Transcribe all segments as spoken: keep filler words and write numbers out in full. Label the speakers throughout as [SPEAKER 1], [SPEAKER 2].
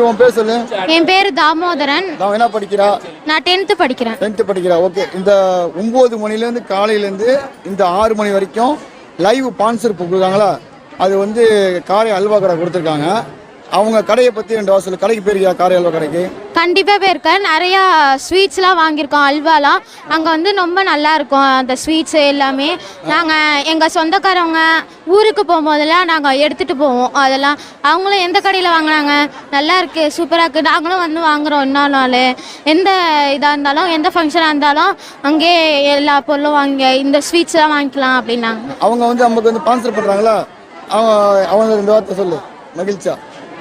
[SPEAKER 1] தம்பி உன் பேர் சொல்லு.
[SPEAKER 2] என் பேர் தாமோதரன்.
[SPEAKER 1] நான் என்ன படிக்கிறா?
[SPEAKER 2] நான் டென்த்து படிக்கிறேன்.
[SPEAKER 1] டென்த்து படிக்கிறா. ஓகே. இந்த ஒம்பது மணிலேருந்து காலையிலேருந்து இந்த ஆறு மணி வரைக்கும் லைவ் ஸ்பான்சர் கொடுக்குறாங்களா? அது வந்து காரை அல்வா கடை கொடுத்துருக்காங்க. அவங்க கடையை பற்றி ரெண்டு வாசல் கடைக்கு போயிருக்கியா? காரை அல்வா கடைக்கு
[SPEAKER 2] கண்டிப்பாக போயிருக்கேன். நிறையா ஸ்வீட்ஸ்லாம் வாங்கியிருக்கோம், அல்வாலாம். அங்கே வந்து ரொம்ப நல்லா இருக்கும் அந்த ஸ்வீட்ஸு எல்லாமே. நாங்கள் எங்கள் சொந்தக்காரவங்க ஊருக்கு போகும்போதெல்லாம் நாங்கள் எடுத்துகிட்டு போவோம். அதெல்லாம் அவங்களும் எந்த கடையில் வாங்கினாங்க, நல்லா இருக்குது, சூப்பராக இருக்குது, நாங்களும் வந்து வாங்குகிறோம். இன்னொரு நாள் எந்த இதாக இருந்தாலும் எந்த ஃபங்க்ஷனாக இருந்தாலும் அங்கேயே எல்லா பொருளும் வாங்கி இந்த ஸ்வீட்ஸ்லாம் வாங்கிக்கலாம் அப்படின்னாங்க.
[SPEAKER 1] அவங்க வந்து நமக்கு வந்து ஸ்பான்சர் பண்ணுறாங்களா? அவங்க அவங்க ரெண்டு வார்த்தை சொல்லு. மகிழ்ச்சியா?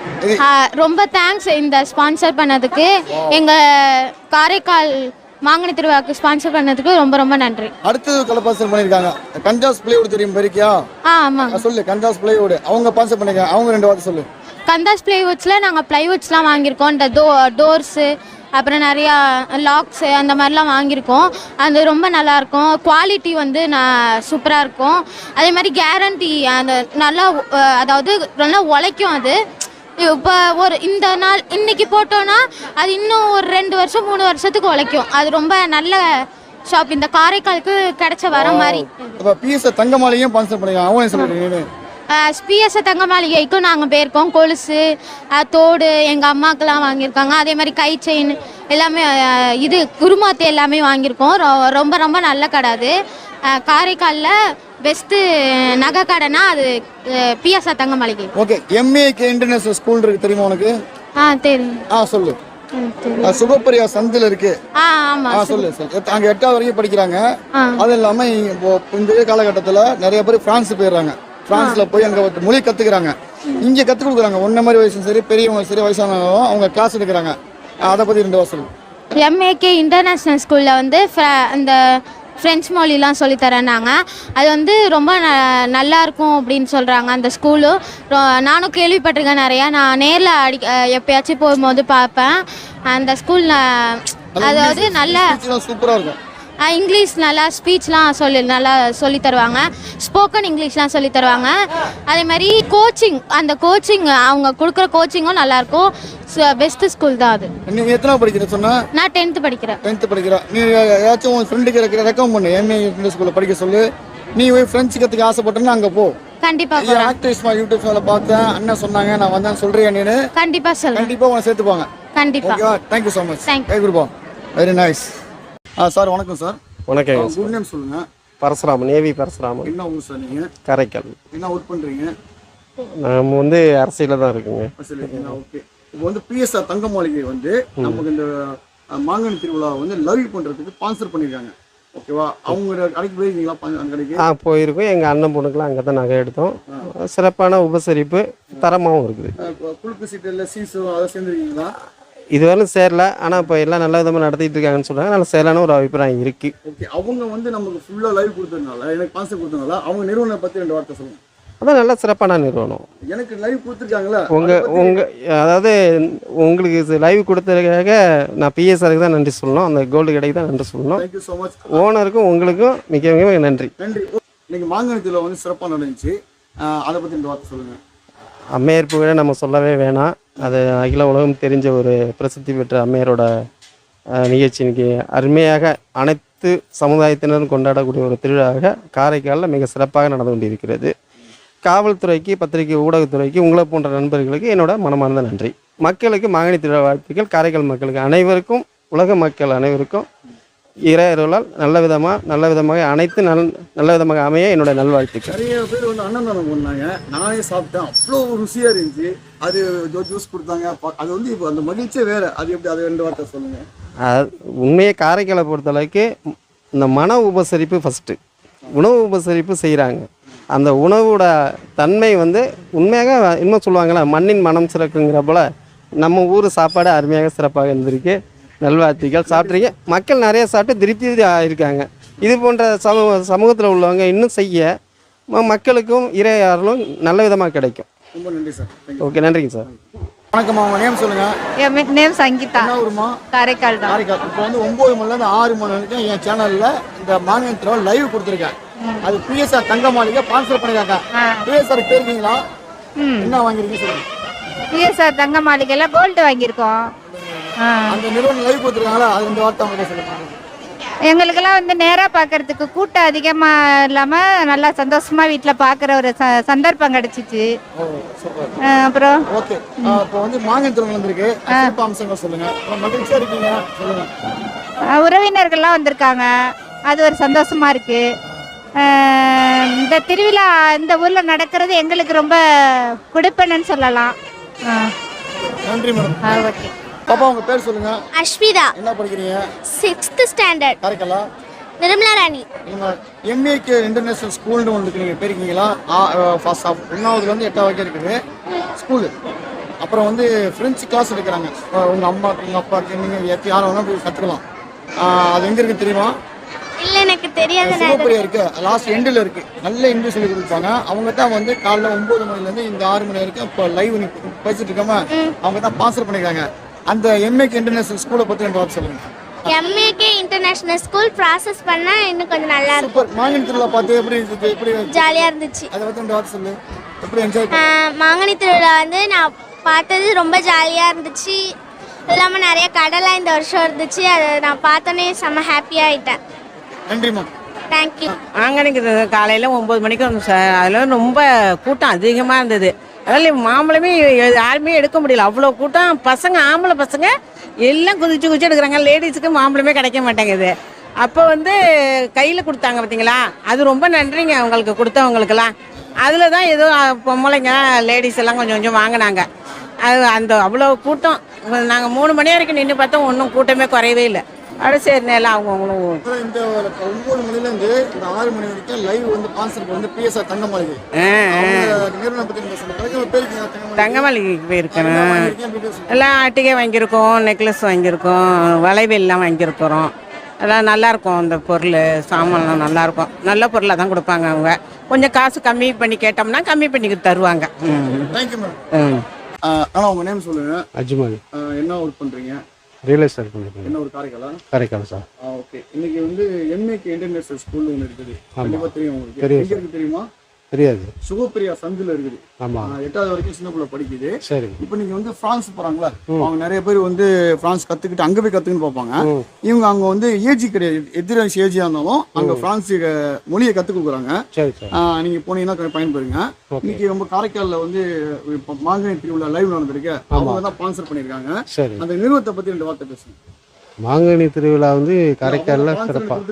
[SPEAKER 2] ரொம்ப தேங்க்ஸ் இந்த ஸ்பான்சர் பண்ணதுக்கு. எங்கள் காரைக்கால் மாங்கனி திருவிழாவுக்கு ஸ்பான்சர் பண்ணதுக்கு ரொம்ப ரொம்ப நன்றி.
[SPEAKER 1] அடுத்தது கலப்பாசல் பண்ணியிருக்காங்க. கந்தாஸ் பிளேவுட் தெரியும் பெருக்கியா?
[SPEAKER 2] ஆ ஆமாங்க
[SPEAKER 1] சொல்லு. கந்தாஸ் பிளேவுட் அவங்க ஸ்பான்சர் பண்ணிருக்காங்க. அவங்க ரெண்டு வார்த்தை சொல்லு.
[SPEAKER 2] கந்தாஸ் பிளைவுட்ஸில் நாங்கள் பிளைவுட்ஸ்லாம் வாங்கியிருக்கோம். இந்த டோ டோர்ஸு அப்புறம் நிறையா லாக்ஸு அந்த மாதிரிலாம் வாங்கியிருக்கோம். அது ரொம்ப நல்லாயிருக்கும். குவாலிட்டி வந்து நான் சூப்பராக இருக்கும். அதே மாதிரி கேரண்டி அந்த நல்லா அதாவது நல்லா உழைக்கும். அது இப்போ ஒரு இந்த நாள் இன்னைக்கு போட்டோன்னா அது இன்னும் ஒரு ரெண்டு வருஷம் மூணு வருஷத்துக்கு உழைக்கும். அது ரொம்ப நல்ல ஷாப். இந்த காரைக்காலுக்கு கிடைச்ச வர மாதிரி.
[SPEAKER 1] பிஎஸ் தங்க மாளிகையும் ஸ்பான்சர் பண்ணிருக்காங்க. அவங்க சொல்லுங்க.
[SPEAKER 2] பிஎஸ் தங்க மாளிகைக்கும் நாங்கள் போயிருக்கோம். கொலுசு தோடு எங்கள் அம்மாக்கெல்லாம் வாங்கியிருக்காங்க. அதே மாதிரி கை செயின் எல்லாமே இது குருமாத்து எல்லாமே வாங்கியிருக்கோம். ரொம்ப ரொம்ப நல்ல கடை அது. காரைக்காலில் பெஸ்ட்டு நகை கடைனா அது பிஎஸ் தங்க மாளிகை.
[SPEAKER 1] ஓகே. எம்ஏகே இன்டர்நேஷனல் ஸ்கூல் இருக்கு தெரியுமா உனக்கு?
[SPEAKER 2] ஆ தெரியும்.
[SPEAKER 1] ஆ சொல்லு. சுகப்பிரியா சந்தில் இருக்கு.
[SPEAKER 2] ஆ ஆமா
[SPEAKER 1] சொல்லு சொல்லு. அங்க எட்டாவது வரைக்கும் படிக்கிறாங்க. அது இல்லாம இந்த காலகட்டத்தில் நிறைய பேர் பிரான்ஸ் போயிடுறாங்க. பிரான்ஸ்ல போய் அங்க மொழி கத்துக்கிறாங்க. இங்க கத்து கொடுக்குறாங்க. ஒன்ன மாதிரி வயசும் சரி பெரியவங்க சரி வயசானவங்க அவங்க கிளாஸ் எடுக்கிறாங்க. அதை பத்தி ரெண்டு வாசல்.
[SPEAKER 2] எம்ஏகே இன்டர்நேஷ்னல் ஸ்கூல்ல வந்து அந்த ஃப்ரெஞ்ச் மொழிலாம் சொல்லித்தரேன்னாங்க. அது வந்து ரொம்ப ந நல்லா இருக்கும் அப்படின்னு சொல்கிறாங்க அந்த ஸ்கூலு. நானும் கேள்விப்பட்டிருக்கேன் நிறையா. நான் நேரில் அடி எப்பயாச்சும் போகும்போது பார்ப்பேன் அந்த ஸ்கூலில். அதாவது நல்லா
[SPEAKER 1] சூப்பராக இருக்கும்.
[SPEAKER 2] இங்கிலீஷ் நல்லா ஸ்பீச்லாம் சொல்லி நல்லா சொல்லி தருவாங்க. ஸ்போக்கன் இங்கிலீஷ்லாம் சொல்லி தருவாங்க. அதே மாதிரி கோச்சிங் அந்த கோச்சிங் அவங்க கொடுக்குற கோச்சிங்கும் நல்லாயிருக்கும். பெஸ்ட்டு ஸ்கூல் தான் அது.
[SPEAKER 1] நீங்கள் எத்தனை படிக்கிற சொன்னா?
[SPEAKER 2] நான் டென்த்து படிக்கிறேன்.
[SPEAKER 1] டென்த்து படிக்கிறேன். நீ ஏதாச்சும் உன் ஃப்ரெண்டுக்கு இருக்கிற ரெக்கமெண்ட் பண்ணு. எம்ஏ ஸ்கூலில் படிக்க சொல்லு. நீ போய் ஃப்ரெண்ட்ஸ் கற்றுக்க ஆசைப்பட்டேன்னா அங்கே போ.
[SPEAKER 2] கண்டிப்பாக
[SPEAKER 1] ஆக்டிவ்ஸ் யூடியூப் சேனலில் பார்த்தேன். அண்ணன் சொன்னாங்க நான் வந்தேன் சொல்கிறேன். நீ
[SPEAKER 2] கண்டிப்பாக சொல்லுங்கள்.
[SPEAKER 1] கண்டிப்பாக உன்னை சேர்த்துப்பாங்க.
[SPEAKER 2] கண்டிப்பாக.
[SPEAKER 1] Thank you so much.
[SPEAKER 2] தேங்க்யூ.
[SPEAKER 1] கொடுப்போம். Very nice. ஆ சார் வணக்கம் சார்.
[SPEAKER 3] வணக்கம்.
[SPEAKER 1] குட் நேம் சொல்லுங்க.
[SPEAKER 3] பரசுராமன். ஏவி பரசுராமன்.
[SPEAKER 1] என்ன ஊர் சார் நீங்க?
[SPEAKER 3] காரைக்கால்.
[SPEAKER 1] என்ன ஒர்க் பண்றீங்க?
[SPEAKER 3] நம்ம வந்து அரசியல தான் இருக்குங்க.
[SPEAKER 1] ஓகே. இப்போ வந்து பிஎஸ்ஆர் தங்க மாளிகை வந்து நமக்கு இந்த மாங்கனி திருவிழா வந்து லைவ் பண்றதுக்கு ஸ்பான்சர் பண்ணிருக்காங்க. ஓகேவா? அவங்க கடைக்கு போயிருக்கீங்களா? அந்த கடைக்கு
[SPEAKER 3] ஆ போயிருக்கோம். எங்கள் அண்ணன் பொண்ணுக்குலாம் அங்கே தான் நகை எடுத்தோம். சிறப்பான உபசரிப்பு தரமாகவும் இருக்குது.
[SPEAKER 1] குழுக்கு சீட்டு இல்லை சீசு அதை சேர்ந்துருக்கீங்களா?
[SPEAKER 3] இதுவரையும் சேரல. ஆனால் இப்போ எல்லாம் நல்ல விதமாக நடத்திட்டு இருக்காங்கன்னு சொல்கிறாங்க. நல்ல சேரலான ஒரு அபிப்பிராயம் இருக்குது.
[SPEAKER 1] ஓகே. அவங்க வந்து நமக்கு ஃபுல்லாக லைவ் கொடுத்ததுனால எனக்கு ஸ்பான்சர் கொடுத்ததுனால அவங்க நிறுவனம் பற்றி ரெண்டு வார்த்தை சொல்லுங்கள்.
[SPEAKER 3] அதான் நல்ல சிறப்பான நிறுவனம்.
[SPEAKER 1] எனக்கு லைவ் கொடுத்துருக்காங்களா?
[SPEAKER 3] உங்கள் உங்கள் அதாவது உங்களுக்கு லைவ் கொடுத்ததுக்காக நான் பிஎஸ்ஆருக்கு தான் நன்றி சொல்லணும். அந்த கோல்டு கடைக்கு தான் நன்றி சொல்லணும்.
[SPEAKER 1] Thank you so much.
[SPEAKER 3] ஓனருக்கும் உங்களுக்கும் மிக மிக நன்றி.
[SPEAKER 1] நன்றி. இன்னைக்கு மாங்கனி திருவிழா வந்து சிறப்பாக நடந்துச்சு. அதை பற்றி ரெண்டு வார்த்தை சொல்லுங்கள்.
[SPEAKER 3] அம்மையார் புகழை நம்ம சொல்லவே வேணாம். அது அகில உலகம் தெரிஞ்ச ஒரு பிரசித்தி பெற்ற அம்மையாரோட நிகழ்ச்சி இன்னைக்கு அருமையாக அனைத்து சமுதாயத்தினரும் கொண்டாடக்கூடிய ஒரு திருவிழாவாக காரைக்காலில் மிக சிறப்பாக நடந்து கொண்டிருக்கிறது. காவல்துறைக்கு, பத்திரிகை ஊடகத்துறைக்கு, உங்களை போன்ற நண்பர்களுக்கு என்னோட மனமார்ந்த நன்றி. மக்களுக்கு மாங்கனி திருவிழா வாழ்த்துக்கள். காரைக்கால் மக்களுக்கு அனைவருக்கும், உலக மக்கள் அனைவருக்கும் இறையருளால் நல்ல விதமாக நல்ல விதமாக அனைத்து நல் நல்ல விதமாக அமைய என்னோட நல்வாழ்த்துக்கள்.
[SPEAKER 1] நிறைய பேர் வந்து அன்னதானம் பண்ணாங்க. நானே சாப்பிட்டேன். அவ்வளோ ருசியாக இருந்துச்சு. அது ஜூஸ் கொடுத்தாங்க. அது வந்து இப்போ அந்த மகிழ்ச்சியே வேறு. அது எப்படி? அது ரெண்டு வார்த்தை சொல்லுங்கள். அது
[SPEAKER 3] உண்மையை காரைக்காலை பொறுத்தளவுக்கு இந்த மன உபசரிப்பு ஃபஸ்ட்டு. உணவு உபசரிப்பு செய்கிறாங்க. அந்த உணவோட தன்மை வந்து உண்மையாக இன்னும் சொல்லுவாங்களே மண்ணின் மனம் சிறக்குங்கிற போல் நம்ம ஊர் சாப்பாடு அருமையாக சிறப்பாக இருந்திருக்கு. நல்வாழ்த்துக்கள். சாப்பிட்றீங்க. மக்கள் நிறைய சாப்பிட்டு திருப்தி ஆகியிருக்காங்க. இது போன்ற சமூக சமூகத்தில் உள்ளவங்க இன்னும் செய்ய மக்களுக்கும் இறையாறும் நல்ல விதமாக கிடைக்கும்.
[SPEAKER 1] ரொம்ப நன்றி சார்.
[SPEAKER 3] ஓகே. நன்றிங்க சார்.
[SPEAKER 1] வணக்கம்மா. உங்கள் நேம் சொல்லுங்கள்.
[SPEAKER 4] என் நேம் சங்கீதா.
[SPEAKER 1] என்ன ஊருமா?
[SPEAKER 4] காரைக்கால் தான்.
[SPEAKER 1] காரைக்கால். இப்போ வந்து ஒம்பது மணிலேருந்து ஆறு மணி வரைக்கும் என் சேனலில் இந்த மாங்கனி திருவிழா லைவ் கொடுத்துருக்கேன். அது பிஎஸ்ஆர் தங்க மாளிகை ஸ்பான்சர் பண்ணிருக்காங்க. பிஎஸ்ஆர் போயிருக்கீங்களா? என்ன வாங்கிருக்கீங்க சொல்லுங்க.
[SPEAKER 4] பிஎஸ்ஆர் தங்க மாளிகையில் கோல்டு வாங்கியிருக்கோம். ஆ
[SPEAKER 1] அந்த நிறுவனம் லைவ் கொடுத்துருக்காங்களா, அது இந்த வார்த்தை அவங்க சொல்லுங்க.
[SPEAKER 4] எங்களுக்கெல்லாம் வந்து நேராக பார்க்கறதுக்கு கூட்டம் அதிகமாக இல்லாமல் நல்லா சந்தோஷமாக வீட்டில் பார்க்குற ஒரு ச சந்தர்ப்பம் கிடச்சிச்சு.
[SPEAKER 1] ஓ சூப்பர்.
[SPEAKER 4] அப்புறம்
[SPEAKER 1] ஓகே, இப்போ வந்து மாங்கனி திருவிழா வந்திருக்கு, சிறப்பு அம்சங்கள் சொல்லுங்க. மகிழ்ச்சியாக இருக்கீங்க சொல்லுங்க.
[SPEAKER 4] அஹ், உறவினர்கள்லாம் வந்திருக்காங்க, அது ஒரு சந்தோஷமாக இருக்குது. இந்த திருவிழா இந்த ஊரில் நடக்கிறது எங்களுக்கு ரொம்ப குடுப்பனன்னு சொல்லலாம். ஆ
[SPEAKER 1] நன்றி மேடம்.
[SPEAKER 4] ஆ ஓகே.
[SPEAKER 1] பாப்பா உங்க பேர் சொல்லுங்க.
[SPEAKER 2] அஸ்மிதா,
[SPEAKER 1] என்ன படிக்கிறீங்க?
[SPEAKER 2] Sixth standard.
[SPEAKER 1] காரைக்காலா?
[SPEAKER 2] நிர்மலா ராணி.
[SPEAKER 1] நீங்கள் எம்ஏகே இன்டர்நேஷனல் ஸ்கூல்னு ஒன்று இருக்கு, நீங்கள் போயிருக்கீங்களா? ஃபர்ஸ்ட் ஆஃப் ஒன்றாவதுலேருந்து எட்டாவது வரைக்கும் இருக்குது ஸ்கூலு. அப்புறம் வந்து ஃப்ரெஞ்சு கிளாஸ் எடுக்கிறாங்க. உங்கள் அம்மாவுக்கு உங்கள் அப்பாவுக்கு நீங்கள் எத்தி யாரும் வேணால் போய் கற்றுக்கலாம். அது எங்கே இருக்குது தெரியுமா?
[SPEAKER 2] இல்லை, எனக்கு தெரியாது.
[SPEAKER 1] சிவப்பிரியா இருக்கு, லாஸ்ட் எண்டில் இருக்கு. நல்ல இங்கிலீஷ் சொல்லி கொடுப்பாங்க. அவங்க தான் வந்து காலைல ஒன்பது மணிலேருந்து இந்த ஆறு மணி வரைக்கும் இப்போ லைவ் பேசிட்டு இருக்காம அவங்க தான் ஸ்பான்சர் பண்ணியிருக்காங்க. அந்த எம்ஏகே இன்டர்நேஷனல் ஸ்கூலை பற்றி ரெண்டு வார்த்தை சொல்லுங்க.
[SPEAKER 2] எம்ஏகே இன்டர்நேஷனல் ஸ்கூல் ப்ராசஸ் பண்ணால் இன்னும் கொஞ்சம் நல்லா இருக்கும்.
[SPEAKER 1] சூப்பர். மாங்கனி திருவிழா பார்த்து எப்படி இருந்துச்சு? எப்படி
[SPEAKER 2] ஜாலியாக இருந்துச்சு.
[SPEAKER 1] அதை பற்றி ரெண்டு வார்த்தை சொல்லு. எப்படி என்ஜாய்?
[SPEAKER 2] மாங்கனி திருவிழா வந்து நான் பார்த்தது ரொம்ப ஜாலியாக இருந்துச்சு. இல்லாமல் நிறைய கடலாம் இந்த வருஷம் இருந்துச்சு. அதை நான் பார்த்தோன்னே செம்ம ஹாப்பியாக ஆகிட்டேன்.
[SPEAKER 1] நன்றிம்மா.
[SPEAKER 2] தேங்க்யூ.
[SPEAKER 5] மாங்கனிக்கு காலையில் ஒம்பது மணிக்கு வந்தோம் சார். அதில் ரொம்ப கூட்டம் அதிகமாக இருந்தது. அதனால் மாம்பழமே யாருமே எடுக்க முடியல, அவ்வளோ கூட்டம். பசங்க ஆம்பளை பசங்க எல்லாம் குதிச்சு குதிச்சு எடுக்கிறாங்க. லேடிஸுக்கு மாம்பழமே கிடைக்க மாட்டேங்குது. அப்போ வந்து கையில் கொடுத்தாங்க பார்த்தீங்களா, அது ரொம்ப நன்றிங்க அவங்களுக்கு கொடுத்தவங்களுக்கெல்லாம். அதில் தான் ஏதோ பொம்பளைங்க லேடிஸ் எல்லாம் கொஞ்சம் கொஞ்சம் வாங்கினாங்க. அது அந்த அவ்வளோ கூட்டம். நாங்கள் மூணு மணி வரைக்கும் நின்று பார்த்தோம், ஒன்றும் கூட்டமே குறையவே இல்லை. அட சரி நேரம் அவங்கவுங்களும்
[SPEAKER 1] இந்த ஒன்பது மணிலேருந்து இந்த ஆறு மணி வரைக்கும் லைவ் வந்து ஸ்பான்சர் வந்து பிஎஸ்ஆர் தங்க மாளிகை நிறுவனம் பற்றி நீங்கள் சொல்லுங்கள்.
[SPEAKER 5] தங்க மாளிகைக்கு போயிருக்கேன். எல்லாம் ஆட்டிகை வாங்கியிருக்கோம், நெக்லஸ் வாங்கியிருக்கோம், வளைவெல்லாம் வாங்கியிருக்கிறோம். எல்லாம் நல்லாயிருக்கும். அந்த பொருள் சாமான்லாம் நல்லாயிருக்கும். நல்ல பொருளாக தான் கொடுப்பாங்க அவங்க. கொஞ்சம் காசு கம்மி பண்ணி கேட்டோம்னா கம்மி பண்ணி தருவாங்க.
[SPEAKER 1] Thank you madam. ஆனால் உங்கள் நேம் சொல்லுங்கள்.
[SPEAKER 3] அஜ்மல்.
[SPEAKER 1] என்ன ஒர்க் பண்ணுறீங்க?
[SPEAKER 3] ரியல் எஸ்டேட் பண்ணுறேன்.
[SPEAKER 1] என்ன ஒரு காரைக்காலா?
[SPEAKER 3] காரைக்கால் சார்.
[SPEAKER 1] ஓகே. இன்னைக்கு வந்து எம்ஏகே இன்டர்நேஷனல் ஸ்கூல் ஒன்று இருக்குது. கண்டிப்பாக தெரியும் உங்களுக்கு. எங்கே இருக்குது தெரியுமா?
[SPEAKER 3] தெரியாது.
[SPEAKER 1] சுகப்பிரியா சந்தில் இருக்குது.
[SPEAKER 3] ஆமாம்.
[SPEAKER 1] எட்டாவது வரைக்கும் சின்ன பிள்ளை படிக்குது.
[SPEAKER 3] சரி.
[SPEAKER 1] இப்போ நீங்கள் வந்து ஃப்ரான்ஸ் போகிறாங்களா, அவங்க நிறைய பேர் வந்து ஃப்ரான்ஸ் கற்றுக்கிட்டு அங்கே போய் கற்றுக்குன்னு பார்ப்பாங்க. இவங்க அங்கே வந்து ஏஜி கிடையாது, எதிர வயசு ஏஜியாக இருந்தாலும் அங்கே ஃப்ரான்ஸ் மொழியை கற்றுக் கொடுக்குறாங்க.
[SPEAKER 3] சரி சார்.
[SPEAKER 1] நீங்கள் போனீங்கன்னா பயன்பெறுங்க. இன்னைக்கு ரொம்ப காரைக்காலில் வந்து இப்போ மாங்கனி திருவிழா லைவ் நடந்திருக்கு. அவங்க தான் ஸ்பான்சர் பண்ணியிருக்காங்க.
[SPEAKER 3] சரி.
[SPEAKER 1] அந்த நிறுவனத்தை பற்றி ரெண்டு வார்த்தை பேசுங்க.
[SPEAKER 3] மாங்கனி திருவிழா வந்து காரைக்காலில் சிறப்பாக.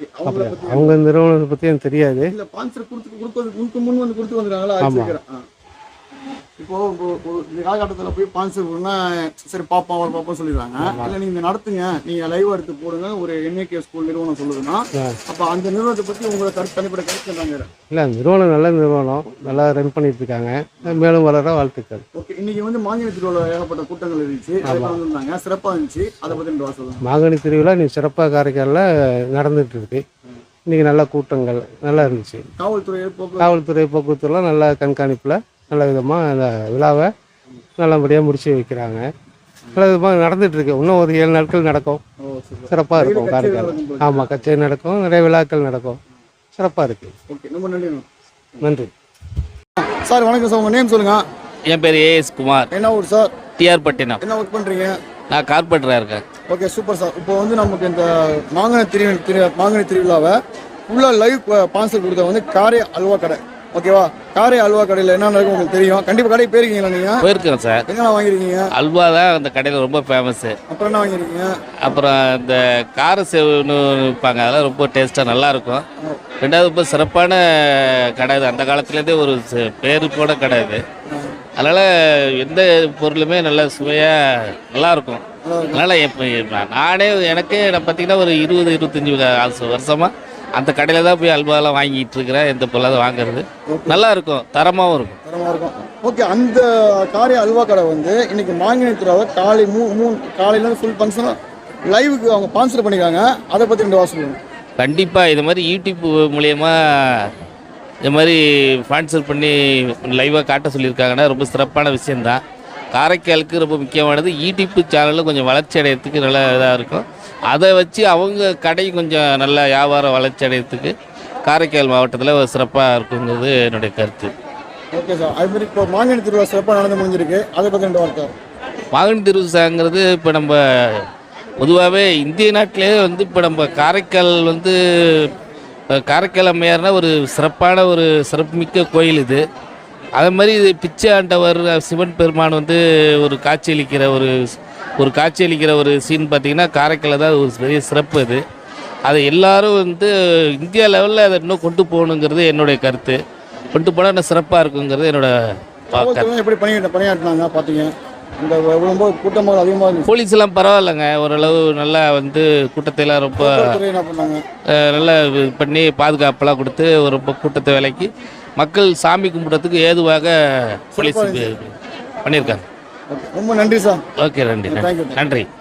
[SPEAKER 3] அவங்க நிறுவனத்தை பற்றி எனக்கு தெரியாது.
[SPEAKER 1] இல்லை ஸ்பான்சர் கொடுத்து கொடுத்து முன் வந்து கொடுத்து வந்துருக்காங்களா? ஆமாம். இப்போ இந்த காலகட்டத்தில் போய் ஸ்பான்சர் கொடுனா சரி பாப்பா ஒரு பாப்பா சொல்லிடுறாங்க. இல்லை நீங்கள் நடத்துங்க, நீங்கள் லைவ் எடுத்து போடுங்க ஒரு என்ஏகே ஸ்கூல் நிறுவனம் சொல்லுதுன்னா அப்போ அந்த நிறுவனத்தை பற்றி உங்களை கருத்து தனிப்பட்ட கருத்து சொன்னாங்க. இல்லை,
[SPEAKER 3] நிறுவனம் நல்ல நிறுவனம், நல்லா ரன் பண்ணிட்டு இருக்காங்க. மேலும் வளர வாழ்த்துக்கள்.
[SPEAKER 1] ஓகே. இன்னைக்கு வந்து மாங்கனி திருவிழா ஏகப்பட்ட கூட்டங்கள் இருந்துச்சு, வந்திருந்தாங்க, சிறப்பாக இருந்துச்சு. அதை பற்றி ரெண்டு வாசல் சொல்லுங்கள்.
[SPEAKER 3] மாங்கனி திருவிழா நீ சிறப்பாக காரைக்காலில் நடந்துட்டு இருக்கு. இன்னைக்கு நல்ல கூட்டங்கள் நல்லா இருந்துச்சு.
[SPEAKER 1] காவல்துறை போக்குவரத்து
[SPEAKER 3] காவல்துறை போக்குவரத்துலாம் நல்ல கண்காணிப்பில் நல்ல விதமாக அந்த விழாவை நல்லபடியாக முடிச்சு வைக்கிறாங்க. நல்ல விதமாக நடந்துகிட்ருக்கு. இன்னும் ஒரு ஏழு நாட்கள் நடக்கும். சிறப்பாக இருக்கும் காரைக்கால். ஆமாம், கச்சேரி நடக்கும், நிறைய விழாக்கள் நடக்கும். சிறப்பாக இருக்குது.
[SPEAKER 1] ஓகே, ரொம்ப நன்றி.
[SPEAKER 3] நன்றி
[SPEAKER 1] சார். வணக்கம் சார். உங்கள் நேம் சொல்லுங்கள்.
[SPEAKER 6] என் பேர் ஏஎஸ் குமார்.
[SPEAKER 1] என்ன ஊர் சார்?
[SPEAKER 6] டிஆர் பட்டினம்.
[SPEAKER 1] என்ன ஒர்க் பண்ணுறீங்க?
[SPEAKER 6] நான் கார்பெண்டராக இருக்கேன்.
[SPEAKER 1] Okay, super sir. இப்போ வந்து நமக்கு இந்த மாங்கனி திரு திரு மாங்கனி திருவிழாவை ஃபுல்லாக லைவ் ஸ்பான்சர் கொடுத்த வந்து காரை அல்வா கடை. ஓகேவா? காரை அல்வா கடையில் என்ன நடக்கும் உங்களுக்கு தெரியும். கண்டிப்பாக கடைக்கு போயிருக்கீங்களா நீங்கள்?
[SPEAKER 6] போயிருக்கேன் சார்.
[SPEAKER 1] என்னென்ன வாங்கிருக்கீங்க?
[SPEAKER 6] அல்வா தான் அந்த கடையில் ரொம்ப ஃபேமஸ்ஸு.
[SPEAKER 1] அப்புறம் என்ன வாங்கிருக்கீங்க?
[SPEAKER 6] அப்புறம் இந்த கார சேவுன்னு விற்பாங்க, அதெல்லாம் ரொம்ப டேஸ்ட்டாக நல்லாயிருக்கும். ரெண்டாவது ரொம்ப சிறப்பான கடை இது. அந்த காலத்துலேருந்தே ஒரு பேர் போன கடை இது. அதனால் எந்த பொருளுமே நல்லா சுவையாக நல்லாயிருக்கும். அதனால் இப்போ நானே எனக்கு நான் பார்த்தீங்கன்னா ஒரு இருபது இருபத்தஞ்சி வருஷமாக அந்த கடையில் தான் போய் அல்வாலாம் வாங்கிட்டு இருக்கிறேன். எந்த பொருளாவது வாங்குறது நல்லா இருக்கும், தரமாகவும் இருக்கும்.
[SPEAKER 1] தரமாக இருக்கும். ஓகே. அந்த காரை அல்வா கடை வந்து இன்னைக்கு மாங்கனி திருவிழாவை காலை மூ மூணு காலையிலேருந்து ஃபுல் ஃபங்க்ஷனாக லைவுக்கு அவங்க ஸ்பான்சர் பண்ணிக்கிறாங்க. அதை பற்றி ரெண்டு வாசல் சொல்லுங்கள்.
[SPEAKER 6] கண்டிப்பாக இது மாதிரி யூடியூப் மூலயமா இது மாதிரி ஸ்பான்சர் பண்ணி லைவாக காட்ட சொல்லியிருக்காங்கன்னா ரொம்ப சிறப்பான விஷயந்தான். காரைக்காலுக்கு ரொம்ப முக்கியமானது யூடியூப் சேனலில் கொஞ்சம் வளர்ச்சி அடையிறதுக்கு நல்ல இதாக இருக்கும். அதை வச்சு அவங்க கடை கொஞ்சம் நல்ல வியாபாரம் வளர்ச்சி அடையிறதுக்கு காரைக்கால் மாவட்டத்தில் சிறப்பாக இருக்குங்கிறது என்னுடைய கருத்து.
[SPEAKER 1] Okay sir. அது மாதிரி இப்போ மாங்கனி திருவிழா சிறப்பாக நடந்து முடிஞ்சிருக்கு, அதை பற்றி ரெண்டு வார்த்தை.
[SPEAKER 6] மாங்கனி திருவிழாங்கிறது இப்போ நம்ம பொதுவாகவே இந்திய நாட்டிலே வந்து இப்போ நம்ம காரைக்கால் வந்து அஹ், காரைக்கால் அம்மையார்னா ஒரு சிறப்பான ஒரு சிறப்புமிக்க கோயில் இது. அதே மாதிரி இது பிச்சை ஆண்டவர் சிவன் பெருமான் வந்து ஒரு காட்சியளிக்கிற ஒரு ஒரு காட்சியளிக்கிற ஒரு சீன் பார்த்திங்கன்னா காரைக்காலில் தான் ஒரு பெரிய சிறப்பு இது. அதை எல்லாரும் வந்து இந்தியா லெவலில் அதை இன்னும் கொண்டு போகணுங்கிறது என்னுடைய கருத்து. கொண்டு போனால் இன்னும் சிறப்பாக இருக்குங்கிறது என்னோட கருத்து.
[SPEAKER 1] காவல்துறை எப்படி பணி பணியாற்றினாங்க பார்த்தீங்க? இந்த ரொம்ப கூட்டமாக அதிகமாக இருந்துச்சு.
[SPEAKER 6] போலீஸ் எல்லாம் பரவாயில்லைங்க, ஓரளவு நல்லா வந்து கூட்டத்தையெல்லாம் ரொம்ப
[SPEAKER 1] காவல்துறை என்ன பண்ணாங்க?
[SPEAKER 6] அஹ், நல்லா இது பண்ணி பாதுகாப்பெல்லாம் கொடுத்து ஒரு ரொம்ப கூட்டத்தை விலைக்கு மக்கள் சாமி கும்பிட்றதுக்கு ஏதுவாக போலீஸ் பண்ணியிருக்காங்க.
[SPEAKER 1] ஓகே, ரொம்ப நன்றி சார்.
[SPEAKER 6] ஓகே, நன்றி
[SPEAKER 1] Thank you.
[SPEAKER 6] நன்றி.